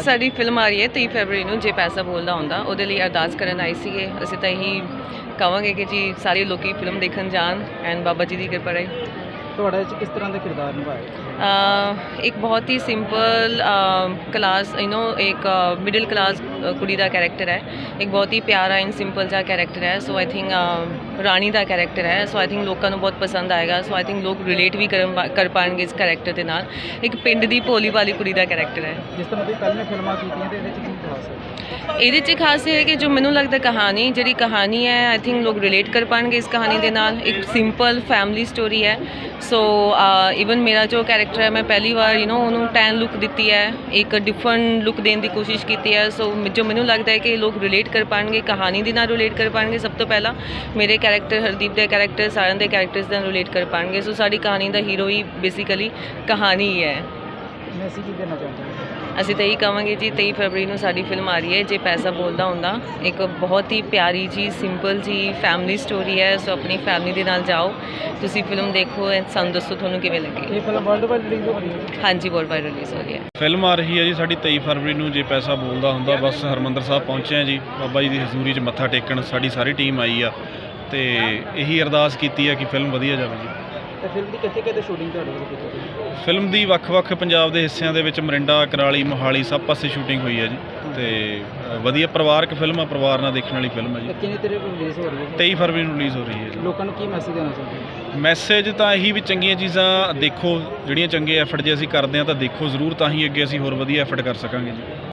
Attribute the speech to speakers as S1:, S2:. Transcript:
S1: ਸਾਡੀ ਫਿਲਮ ਆ ਰਹੀ ਹੈ 23 ਫਰਵਰੀ ਨੂੰ, ਜੇ ਪੈਸਾ ਬੋਲਦਾ ਹੁੰਦਾ, ਉਹਦੇ ਲਈ ਅਰਦਾਸ ਕਰਨ ਆਏ ਸੀਗੇ। ਅਸੀਂ ਤਾਂ ਇਹੀ ਕਹਾਂਗੇ ਕਿ ਜੀ ਸਾਰੇ ਲੋਕੀ ਫਿਲਮ ਦੇਖਣ ਜਾਣ ਐਂਡ ਬਾਬਾ ਜੀ ਦੀ ਕਿਰਪਾ ਰਹੇ।
S2: ਤੁਹਾਡਾ ਇਹ 'ਚ ਕਿਸ ਤਰ੍ਹਾਂ ਦਾ ਕਿਰਦਾਰ ਨਿਭਾਇਆ?
S1: ਇੱਕ ਬਹੁਤ ਹੀ ਸਿੰਪਲ ਕਲਾਸ ਇੱਕ ਮਿਡਲ ਕਲਾਸ ਕੁੜੀ ਦਾ ਕੈਰੈਕਟਰ ਹੈ। ਇੱਕ ਬਹੁਤ ਹੀ ਪਿਆਰਾ ਐਂਡ ਸਿੰਪਲ ਜਿਹਾ ਕੈਰੈਕਟਰ ਹੈ। So I think Rani the character ਹੈ। ਸੋ ਆਈ ਥਿੰਕ ਲੋਕਾਂ ਨੂੰ ਬਹੁਤ ਪਸੰਦ ਆਏਗਾ। ਸੋ ਆਈ ਥਿੰਕ ਲੋਕ ਰਿਲੇਟ ਵੀ ਕਰ ਪਾਉਣਗੇ ਇਸ ਕੈਰੈਕਟਰ ਦੇ ਨਾਲ। ਇੱਕ ਪਿੰਡ ਦੀ ਭੋਲੀ ਭਾਲੀ ਕੁੜੀ ਦਾ ਕੈਰੈਕਟਰ ਹੈ।
S2: ਜਿਸ ਤਰ੍ਹਾਂ ਤੁਸੀਂ ਪਹਿਲਾਂ ਫਿਲਮਾਂ ਕੀਤੀਆਂ ਤੇ ਇਹਦੇ 'ਚ ਕੀ ਖਾਸ ਹੈ?
S1: ਇਹਦੇ 'ਚ ਖਾਸ ਇਹ ਹੈ ਕਿ ਜੋ ਮੈਨੂੰ ਲੱਗਦਾ ਜਿਹੜੀ ਕਹਾਣੀ ਹੈ, ਆਈ ਥਿੰਕ ਲੋਕ ਰਿਲੇਟ ਕਰ ਪਾਉਣਗੇ ਇਸ ਕਹਾਣੀ ਦੇ ਨਾਲ। ਇੱਕ ਸਿੰਪਲ ਫੈਮਿਲੀ ਸਟੋਰੀ ਹੈ। ਸੋ ਈਵਨ ਮੇਰਾ ਜੋ ਕੈਰੈਕਟਰ ਹੈ, ਮੈਂ ਪਹਿਲੀ ਵਾਰ ਉਹਨੂੰ ਟੈਨ ਲੁੱਕ ਦਿੱਤੀ ਹੈ, ਇੱਕ ਡਿਫਰੈਂਟ ਲੁੱਕ ਦੇਣ ਦੀ ਕੋਸ਼ਿਸ਼ ਕੀਤੀ ਹੈ। ਸੋ ਜੋ ਮੈਨੂੰ ਲੱਗਦਾ ਹੈ ਕਿ ਲੋਕ ਰਿਲੇਟ ਕਰ ਪਾਉਣਗੇ, ਕਹਾਣੀ ਦੇ ਨਾਲ ਰਿਲੇਟ ਕਰ ਪਾਉਣਗੇ। ਸਭ ਤੋਂ ਪਹਿਲਾਂ ਮੇਰੇ ਕੈਰੈਕਟਰ, ਹਰਦੀਪ ਦੇ ਕੈਰੈਕਟਰ, ਸਾਰਿਆਂ ਦੇ ਕੈਰੈਕਟਰਸ ਨਾਲ ਰਿਲੇਟ ਕਰ ਪਾਉਣਗੇ। ਸੋ ਸਾਡੀ ਕਹਾਣੀ ਦਾ ਹੀਰੋ ਹੀ ਬੇਸਿਕਲੀ ਕਹਾਣੀ ਹੀ ਹੈ।
S2: ਮੈਸੇਜ ਕੀ ਦੇਣਾ ਚਾਹੁੰਦੇ ਹੋ?
S1: ਅਸੀਂ ਤਾਂ ਇਹੀ ਕਹਾਂਗੇ ਜੀ 23 ਫਰਵਰੀ ਨੂੰ ਸਾਡੀ ਫਿਲਮ ਆ ਰਹੀ ਹੈ, ਜੇ ਪੈਸਾ ਬੋਲਦਾ ਹੁੰਦਾ। ਇੱਕ ਬਹੁਤ ਹੀ ਪਿਆਰੀ ਜੀ, ਸਿੰਪਲ ਜੀ ਫੈਮਿਲੀ ਸਟੋਰੀ ਹੈ। ਸੋ ਆਪਣੀ ਫੈਮਿਲੀ ਦੇ ਨਾਲ ਜਾਓ, ਤੁਸੀਂ ਫਿਲਮ ਦੇਖੋ ਐਂਡ ਸਾਨੂੰ ਦੱਸੋ ਤੁਹਾਨੂੰ ਕਿਵੇਂ ਲੱਗੀ।
S2: ਇਹ ਫਿਲਮ ਵਰਲਡ ਵਾਈਡ ਰਿਲੀਜ਼ ਹੋ ਰਹੀ ਹੈ?
S1: ਹਾਂਜੀ, ਵਰਲਡ ਵਾਈਡ ਰਿਲੀਜ਼ ਹੋ ਰਹੀ ਹੈ।
S3: ਫਿਲਮ ਆ ਰਹੀ ਹੈ ਜੀ ਸਾਡੀ 23 ਫਰਵਰੀ ਨੂੰ, ਜੇ ਪੈਸਾ ਬੋਲਦਾ ਹੁੰਦਾ। ਬਸ ਹਰਿਮੰਦਰ ਸਾਹਿਬ ਪਹੁੰਚੇ ਹਾਂ ਜੀ, ਬਾਬਾ ਜੀ ਦੀ ਹਜ਼ੂਰੀ 'ਚ ਮੱਥਾ ਟੇਕਣ ਸਾਡੀ ਸਾਰੀ ਟੀਮ ਆਈ ਆ, ਤੇ ਇਹੀ ਅਰਦਾਸ ਕੀਤੀ ਹੈ ਕਿ ਫਿਲਮ ਵਧੀਆ ਜਾਵੇ ਜੀ।
S2: ਤੇ ਫਿਲਮ ਦੀ ਕਿੱਥੇ ਸ਼ੂਟਿੰਗ ਤੁਹਾਡੇ ਵੱਲੋਂ ਕੀਤੀ ਗਈ?
S3: ਫਿਲਮ ਦੀ ਵੱਖ-ਵੱਖ ਪੰਜਾਬ ਦੇ ਹਿੱਸਿਆਂ ਦੇ ਵਿੱਚ ਮਰਿੰਡਾ, ਕਰਾਲੀ, ਮੋਹਾਲੀ ਸਭ ਪਾਸੇ ਸ਼ੂਟਿੰਗ ਹੋਈ ਹੈ ਜੀ। ਤੇ ਵਧੀਆ ਪਰਿਵਾਰਕ ਫਿਲਮ ਆ, ਪਰਿਵਾਰ ਨਾਲ ਦੇਖਣ ਵਾਲੀ ਫਿਲਮ ਹੈ ਜੀ।
S2: ਕਿੰਨੀ ਤਰੀਕ ਨੂੰ ਰਿਲੀਜ਼ ਹੋ ਰਹੀ ਹੈ?
S3: 23 ਫਰਵਰੀ ਨੂੰ ਰਿਲੀਜ਼ ਹੋ ਰਹੀ ਹੈ ਜੀ।
S2: ਲੋਕਾਂ ਨੂੰ ਕੀ ਮੈਸੇਜ ਦੇਣਾ ਚਾਹੁੰਦੇ ਹੋ?
S3: ਮੈਸੇਜ ਤਾਂ ਇਹੀ ਵੀ ਚੰਗੀਆਂ ਚੀਜ਼ਾਂ ਦੇਖੋ, ਜਿਹੜੀਆਂ ਚੰਗੇ ਐਫਰਟ ਜੇ ਅਸੀਂ ਕਰਦੇ ਹਾਂ ਤਾਂ ਦੇਖੋ ਜ਼ਰੂਰ, ਤਾਂ ਹੀ ਅੱਗੇ ਅਸੀਂ ਹੋਰ ਵਧੀਆ ਐਫਰਟ ਕਰ ਸਕਾਂਗੇ ਜੀ।